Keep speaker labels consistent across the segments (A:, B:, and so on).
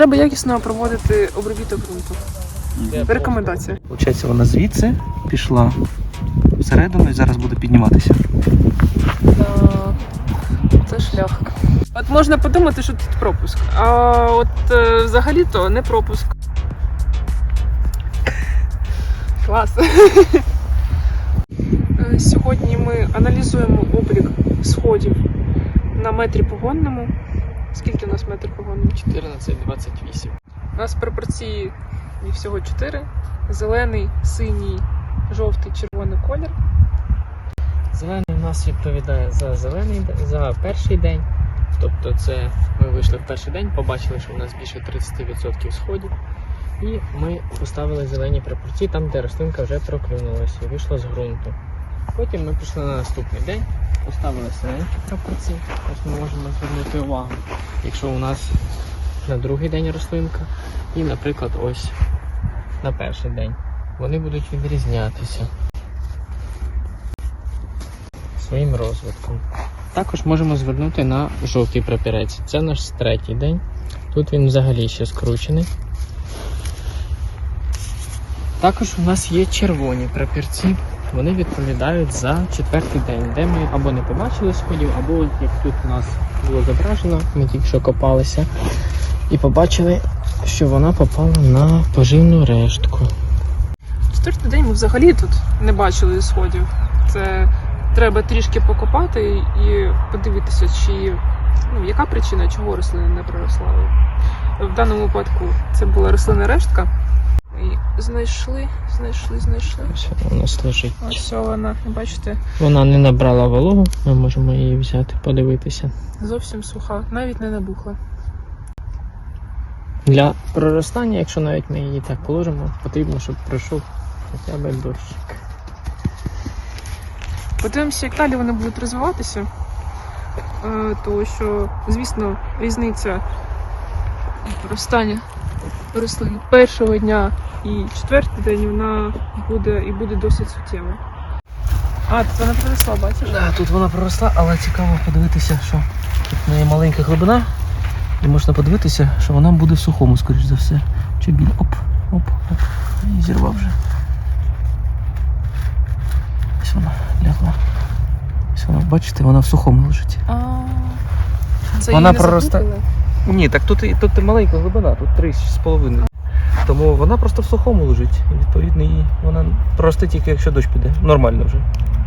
A: Треба якісно проводити обробіток ґрунту. Рекомендація.
B: Получається, вона звідси пішла всередину і зараз буде підніматися.
A: Це шлях. От можна подумати, що тут пропуск, а от взагалі-то не пропуск. Клас. Сьогодні ми аналізуємо облік сходів на метрі погонному. Скільки у нас метр погонний?
C: 14,28.
A: У нас пропорції всього 4. Зелений, синій, жовтий, червоний колір.
C: Зелений у нас відповідає за перший день. Тобто це ми вийшли в перший день, побачили, що у нас більше 30% сходів. І ми поставили зелені пропорції там, де рослинка вже проклюнулася і вийшла з ґрунту. Потім ми пішли на наступний день, поставили синенькі пропорції. Ось ми можемо звернути увагу, якщо у нас на другий день рослинка і, наприклад, ось на перший день. Вони будуть відрізнятися своїм розвитком. Також можемо звернути на жовтий прапірець. Це наш третій день. Тут він взагалі ще скручений. Також у нас є червоні прапірці. Вони відповідають за четвертий день, де ми або не побачили сходів, або як тут у нас було зображено, ми тільки що копалися і побачили, що вона попала на поживну рештку.
A: Четвертий день ми взагалі тут не бачили сходів. Це треба трішки покопати і подивитися, яка причина, чого рослина не проросла. В даному випадку це була рослинна рештка. І знайшли.
C: Ось вона у нас лежить.
A: Ось вона, бачите?
C: Вона не набрала вологу, ми можемо її взяти, подивитися.
A: Зовсім суха, навіть не набухла.
C: Для проростання, якщо навіть ми її так положимо, потрібно, щоб пройшов хоча б дощик.
A: Подивимося, як далі вони будуть розвиватися. Тому що, звісно, різниця проростання рослин першого дня і четвертий день вона буде досить суттєва. А, тут вона проросла, бачиш?
B: Так, тут вона проросла, але цікаво подивитися, що тут в неї маленька глибина. І можна подивитися, що вона буде в сухому, скоріш за все. Чи біля. Оп. І зірвав вже. Ось вона лягла. Ось вона, бачите, вона в сухому лежить.
A: Це
B: Вона
A: її не
B: проростає.
A: заплутали?
B: Ні, так тут маленька глибина, тут 3,5. Тому вона просто в сухому лежить. І відповідно її вона проросте тільки якщо дощ піде. Нормально вже.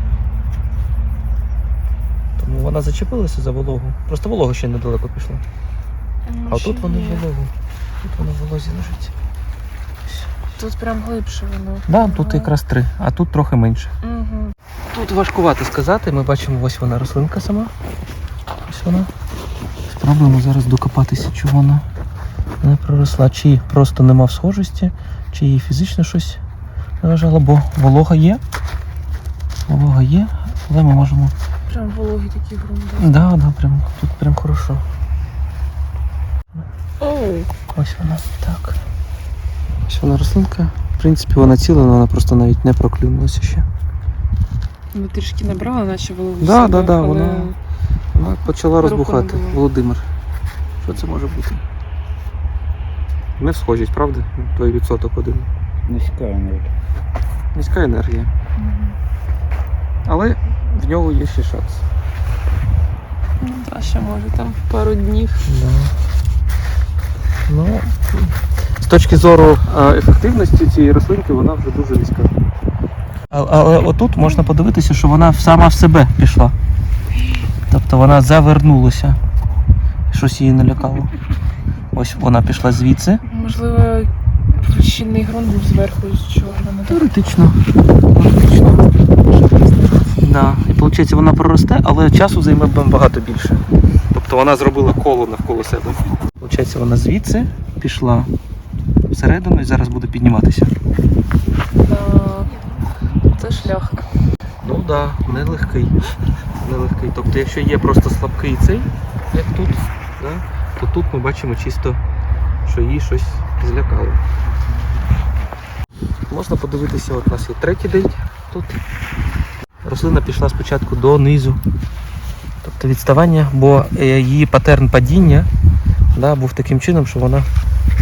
B: Тому вона зачепилася за вологу. Просто волога ще недалеко пішла. А тут вона в вологу. Тут вона в волозі лежить.
A: Тут прям глибше воно.
B: Да, тут якраз 3, а тут трохи менше.
A: Угу.
B: Тут важкувато сказати, ми бачимо, ось вона рослинка сама. Ось вона. Спробуємо зараз докопатися, чого вона не проросла. Чи просто нема схожості, чи їй фізично щось належало, бо волога є. Волога є, але ми можемо...
A: Прям вологий такий ґрунт.
B: Да, тут прям хорошо.
A: Оу.
B: Ось вона, так. Ось вона рослинка. В принципі, вона ціла, але вона просто навіть не проклюнулася ще.
A: Ми трішки набрала, наче вологу.
B: Да, вона почала розбухати.
A: не було.
B: Володимир. Що це може бути? Не схожість, правда? Той відсоток один.
D: Низька енергія.
B: Низька енергія. Але в нього є ще шанс.
A: Ну, та ще може там пару днів.
B: Да. Ну, з точки зору ефективності цієї рослинки вона вже дуже низька. Але отут можна подивитися, що вона сама в себе пішла. Тобто вона завернулася. Щось її налякало. Ось вона пішла звідси.
A: Можливо, щільний ґрунт був зверху, з чого вона так.
B: Теоретично. Да. І виходить, вона проросте, але часу займе багато більше. Тобто вона зробила коло навколо себе. Виходить, вона звідси пішла всередину і зараз буде підніматися.
A: Це шлях.
B: Ну так, да, нелегкий. Тобто, якщо є просто слабкий цей, як тут, да, то тут ми бачимо чисто, що її щось злякало. Можна подивитися, от у нас є третій день тут. Рослина пішла спочатку донизу. Тобто відставання, бо її патерн падіння, да, був таким чином, що вона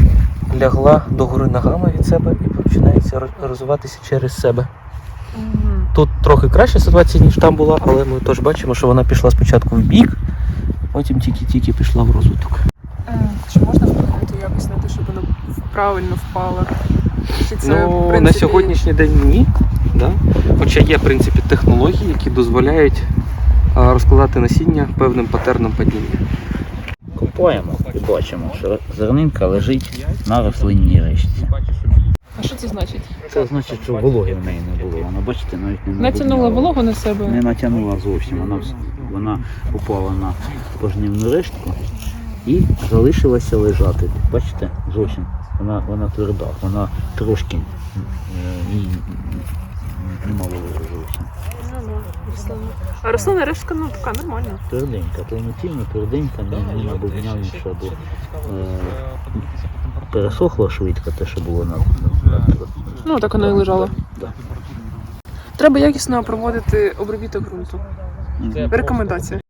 B: лягла догори ногами від себе і починається розвиватися через себе. Тут трохи краща ситуація, ніж там була, але ми теж бачимо, що вона пішла спочатку в бік, потім тільки-тільки пішла в розвиток.
A: Чи можна вплинути якось на те, щоб вона правильно впала? Чи це, в принципі...
B: На сьогоднішній день ні. Да? Хоча є, в принципі, технології, які дозволяють розкладати насіння певним патерном падіння.
D: Купуємо і бачимо, що зернинка лежить на рослинній решті.
A: А що це значить?
D: Це значить, що вологи в неї не було. Вона, бачите, навіть не
A: Натягнула
D: набудняла.
A: вологу на себе?
D: Не натягнула зовсім. Вона попала на пожнивну рештку і залишилася лежати. Бачите, зовсім. Вона тверда, вона трошки їй нема вологи зовсім.
A: А рослина рештка, ну, така нормальна.
D: Тверденька, повноцінно тверденька, не набувнявніша, бо пересохло швидко те, що було на
A: Ну, так вона і лежала.
D: Да.
A: Треба якісно проводити обробіток ґрунту. Рекомендація.